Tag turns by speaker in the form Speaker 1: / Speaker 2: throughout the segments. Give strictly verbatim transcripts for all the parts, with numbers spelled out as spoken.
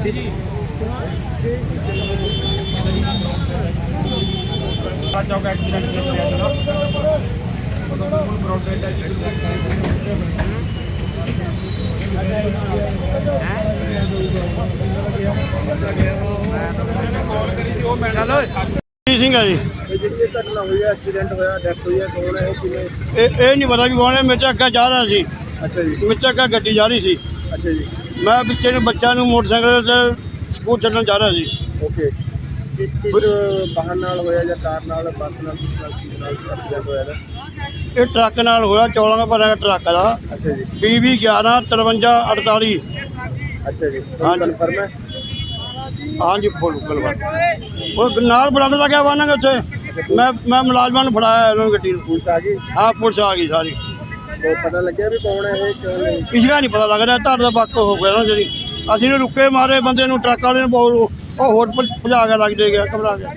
Speaker 1: चौक accident
Speaker 2: Singh ਹੈ ਜੀ।
Speaker 3: ਜਿਹੜੀ ਘਟਨਾ ਹੋਈ ਹੈ, ਐਕਸੀਡੈਂਟ ਹੋਇਆ, ਡੈਥ ਹੋਈ ਹੈ, ਕੌਣ ਹੈ, ਕਿਵੇਂ?
Speaker 2: ਇਹ ਇਹ ਨਹੀਂ ਪਤਾ ਵੀ ਕੌਣ ਹੈ। ਮੇਰੇ ਤੋਂ ਅੱਗੇ ਜਾ ਰਿਹਾ ਸੀ।
Speaker 3: ਅੱਛਾ ਜੀ।
Speaker 2: ਮੇਰੇ ਤੋਂ ਅੱਗੇ ਗੱਡੀ ਜਾ ਰਹੀ ਸੀ।
Speaker 3: ਅੱਛਾ ਜੀ।
Speaker 2: ਮੈਂ ਪਿੱਛੇ ਨੂੰ ਬੱਚਿਆਂ ਨੂੰ ਮੋਟਰਸਾਈਕਲ ਤੇ ਸਕੂਲ ਛੱਡਣ ਜਾ ਰਿਹਾ ਸੀ।
Speaker 3: ਓਕੇ। ਕਿਸ ਕਿਸ ਵਾਹਨ ਨਾਲ ਹੋਇਆ ਜਾਂ ਕਾਰ ਨਾਲ, ਬੱਸ ਨਾਲ, ਕਿਸ ਨਾਲ ਕਿਸ ਨਾਲ ਐਕਸੀਡੈਂਟ ਹੋਇਆ ਇਹਦਾ?
Speaker 2: ਇਹ ਟਰੱਕ ਨਾਲ ਹੋਇਆ, ਚੌਲਾਂ ਦਾ ਭਰਿਆ ਟਰੱਕ ਦਾ।
Speaker 3: ਅੱਛਾ ਜੀ।
Speaker 2: ਪੀ ਵੀ ਗਿਆਰਾਂ ਤਰਵੰਜਾ ਅੜਤਾਲੀ।
Speaker 3: ਅੱਛਾ ਜੀ।
Speaker 2: ਹਾਂਜੀ।
Speaker 3: ਕਨਫਰਮ ਹੈ?
Speaker 2: ਹਾਂਜੀ ਫੁੱਲ ਗਲਵਾ ਉਹ ਨਾਲ ਬਰਾਂਡ ਦਾ ਗਿਆ ਵਾਹਨਾਂ ਉੱਥੇ। ਮੈਂ ਮੈਂ ਮੁਲਾਜ਼ਮਾਂ ਨੂੰ ਫੜਾਇਆ ਉਹਨਾਂ ਨੂੰ ਗੱਡੀ ਨੂੰ।
Speaker 3: ਪੁਲਿਸ ਆ ਗਈ?
Speaker 2: ਹਾਂ ਪੁਲਿਸ ਆ ਗਈ ਸਾਰੀ।
Speaker 3: ਉਹ ਪਤਾ ਲੱਗਿਆ ਵੀ ਕੌਣ ਹੈ ਇਹ, ਕਿਉਂ ਨਹੀਂ?
Speaker 2: ਇਸਦਾ ਨਹੀਂ ਪਤਾ ਲੱਗ ਰਿਹਾ। ਤੁਹਾਡਾ ਬੱਕ ਹੋ ਗਿਆ ਨਾ ਜਿਹੜੀ ਅਸੀਂ ਨੇ ਰੁੱਕੇ ਮਾਰੇ ਬੰਦੇ ਨੂੰ, ਟਰੱਕ ਵਾਲੇ ਨੂੰ ਬਹੁਤ ਉਹ ਹੋਰ ਭਜਾ ਕੇ ਲੱਗ ਦੇ ਗਿਆ, ਘਬਰਾ ਗਿਆ।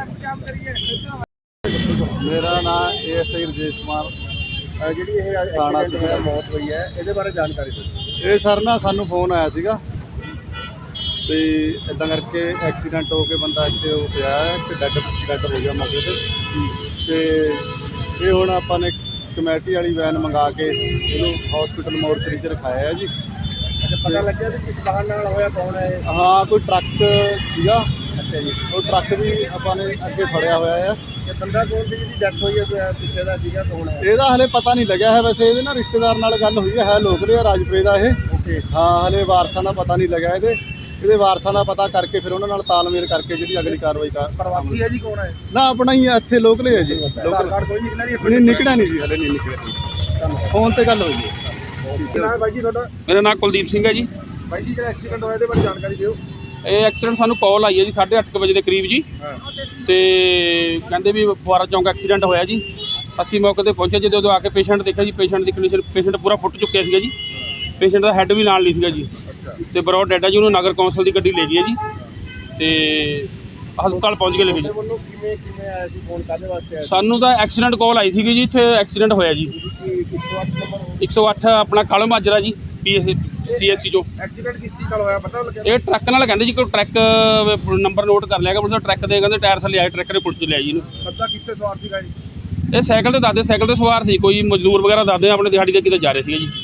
Speaker 3: ਮੇਰਾ ਨਾਮ A S I Rajesh Kumar. ਜਿਹੜੀ ਇਹ ਐਕਸੀਡੈਂਟ ਹੋਇਆ, ਮੌਤ ਹੋਈ ਹੈ, ਇਹਦੇ ਬਾਰੇ ਜਾਣਕਾਰੀ ਦਿਓ।
Speaker 4: ਇਹ ਸਰ ਨਾ ਸਾਨੂੰ ਫੋਨ ਆਇਆ ਸੀਗਾ ਤੇ ਇਦਾਂ ਕਰਕੇ ਐਕਸੀਡੈਂਟ ਹੋ ਕੇ ਬੰਦਾ ਇੱਥੇ ਉਹ ਪਿਆ ਹੈ ਤੇ ਡੈਡ ਡੈਡ ਹੋ ਗਿਆ ਮੌਕੇ 'ਤੇ। ਤੇ ਇਹ ਹੁਣ ਆਪਾਂ ਨੇ ਕਮੇਟੀ ਵਾਲੀ ਵੈਨ ਮੰਗਾ ਕੇ ਇਹਨੂੰ ਹਸਪੀਟਲ ਮੋਰਚਰੀ 'ਚ ਰਖਾਇਆ ਹੈ ਜੀ।
Speaker 3: ਅੱਛਾ, ਪਤਾ ਲੱਗਿਆ ਵੀ ਕਿਸ ਵਾਹਨ ਨਾਲ ਹੋਇਆ, ਕੌਣ ਹੈ ਇਹ?
Speaker 4: ਹਾਂ ਕੋਈ ਟਰੱਕ ਸੀਗਾ।
Speaker 3: ਅੱਛਾ ਜੀ।
Speaker 4: ਉਹ ਟਰੱਕ ਵੀ ਆਪਾਂ ਨੇ ਅੱਗੇ ਫੜਿਆ ਹੋਇਆ ਹੈ।
Speaker 3: ਇਹ ਬੰਦਾ ਕੌਣ ਸੀ ਜਿਹਦੀ ਡੈਥ ਹੋਈ ਹੈ, ਪਿੱਛੇ ਦਾ ਸੀਗਾ, ਕੌਣ ਹੈ?
Speaker 4: ਇਹਦਾ ਹਲੇ ਪਤਾ ਨਹੀਂ ਲੱਗਿਆ ਹੈ। ਵੈਸੇ ਇਹਦੇ ਨਾਲ ਰਿਸ਼ਤੇਦਾਰ ਨਾਲ ਗੱਲ ਹੋਈ ਹੈ, ਹੈ ਲੋਕਲ ਆ ਰਾਜਪੁਰੇ ਦਾ ਇਹ।
Speaker 3: ਓਕੇ।
Speaker 4: ਹਾਂ ਹਲੇ ਵਾਰਸਾਂ ਦਾ ਪਤਾ ਨਹੀਂ ਲੱਗਿਆ ਇਹਦੇ ਇਹਦੇ ਵਾਰਸਾਂ ਦਾ ਪਤਾ ਕਰਕੇ ਫਿਰ ਉਹਨਾਂ ਨਾਲ ਤਾਲਮੇਲ ਕਰਕੇ ਜਿਹੜੀ ਅਗਲੀ ਕਾਰਵਾਈ ਕਰ।
Speaker 3: ਪ੍ਰਵਾਸੀ ਹੈ ਜੀ, ਕੌਣ ਹੈ?
Speaker 4: ਨਾ ਆਪਣਾ ਹੀ ਇੱਥੇ ਲੋਕਲ ਹੈ ਜੀ।
Speaker 3: ਆਧਾਰ
Speaker 4: ਲੋਕਲ
Speaker 3: ਕਾਰਡ ਕੋਈ ਨਿਕਲਿਆ ਨਹੀਂ?
Speaker 4: ਨਹੀਂ ਨਿਕਲਿਆ ਨਹੀਂ ਜੀ, ਹਲੇ ਨਹੀਂ ਨਿਕਲਿਆ। ਫੋਨ ਤੇ ਗੱਲ ਹੋਈ ਹੈ।
Speaker 3: ਕੀ ਨਾਮ ਹੈ ਬਾਈ ਜੀ ਤੁਹਾਡਾ?
Speaker 1: ਮੇਰਾ ਨਾਮ ਕੁਲਦੀਪ ਸਿੰਘ ਹੈ ਜੀ।
Speaker 3: ਬਾਈ ਜੀ ਜਿਹੜਾ ਐਕਸੀਡੈਂਟ ਹੋਇਆ ਇਹਦੇ ਬਾਰੇ ਜਾਣਕਾਰੀ ਦਿਓ।
Speaker 1: ਇਹ ਐਕਸੀਡੈਂਟ ਸਾਨੂੰ ਕਾਲ ਆਈ ਹੈ ਜੀ ਸਾਢੇ ਅੱਠ ਕੁ ਵਜੇ ਦੇ ਕਰੀਬ ਜੀ। ਤੇ ਕਹਿੰਦੇ ਵੀ ਫੁਆਰਾ ਚੌਂਕ ਐਕਸੀਡੈਂਟ ਹੋਇਆ ਜੀ। ਅਸੀਂ ਮੌਕੇ 'ਤੇ ਪਹੁੰਚੇ। ਜਦੋਂ ਉਦੋਂ ਆ ਕੇ ਪੇਸ਼ੈਂਟ ਦੇਖਿਆ ਜੀ, ਪੇਸ਼ੈਂਟ ਦੀ ਕੰਡੀਸ਼ਨ, ਪੇਸ਼ੈਂਟ ਪੂਰਾ ਫੁੱਟ ਚੁੱਕਿਆ ਸੀਗਾ ਜੀ। ਪੇਸ਼ੈਂਟ ਦਾ ਹੈੱਡ ਵੀ ਨਾਲ ਨਹੀਂ ਸੀਗਾ ਜੀ। ਤੇ ਬਰੋਡ ਡੈਡ ਹੈ ਜੀ। ਉਹਨੂੰ ਨਗਰ ਕੌਂਸਲ ਦੀ ਗੱਡੀ ਲੈ ਗਈ ਹੈ ਜੀ ਤੇ ਹਸਪਤਾਲ ਪਹੁੰਚ ਕੇ ਲੈ ਗਏ ਜੀ।
Speaker 3: ਵੱਲੋਂ ਕਿਵੇਂ ਕਿਵੇਂ ਆਇਆ ਸੀ, ਫੋਨ ਕਾਹਦੇ ਵਾਸਤੇ ਆਇਆ ਸੀ?
Speaker 1: ਸਾਨੂੰ ਤਾਂ ਐਕਸੀਡੈਂਟ ਕਾਲ ਆਈ ਸੀਗੀ ਜੀ। ਇੱਥੇ ਐਕਸੀਡੈਂਟ ਹੋਇਆ ਜੀ।
Speaker 3: ਇੱਕ ਸੌ ਅੱਠ ਨੰਬਰ
Speaker 1: ਇੱਕ ਸੌ ਅੱਠ ਆਪਣਾ ਕਾਲੋ ਮਾਜਰਾ ਜੀ, P S C S C ਚੋਂ।
Speaker 3: ਐਕਸੀਡੈਂਟ ਕਿਸ ਚੀਜ਼ ਨਾਲ ਹੋਇਆ, ਪਤਾ ਲੱਗਿਆ?
Speaker 1: ਇਹ ਟਰੱਕ ਨਾਲ ਕਹਿੰਦੇ ਜੀ। ਕੋਈ ਟਰੱਕ ਨੰਬਰ ਨੋਟ ਕਰ ਲਿਆ ਕਿ ਟਰੱਕ ਦੇ ਕਹਿੰਦੇ ਟਾਇਰ ਥੱਲੇ ਆਏ, ਟਰੱਕ ਨੇ ਪੁੱਟ ਚ ਲਿਆ ਜੀ ਇਹਨੂੰ।
Speaker 3: ਬੰਦਾ ਕਿਸ ਤੇ ਸਵਾਰ ਸੀਗਾ ਜੀ?
Speaker 1: ਇਹ ਸਾਈਕਲ ਤੇ ਦੱਸਦੇ, ਸਾਈਕਲ ਤੇ ਸਵਾਰ ਸੀ। ਕੋਈ ਮਜ਼ਦੂਰ ਵਗੈਰਾ ਦੱਸਦੇ ਆਪਣੇ ਦਿਹਾੜੀ ਦੇ ਕਿਤੇ ਜਾ ਰਹੇ ਸੀਗੇ ਜੀ।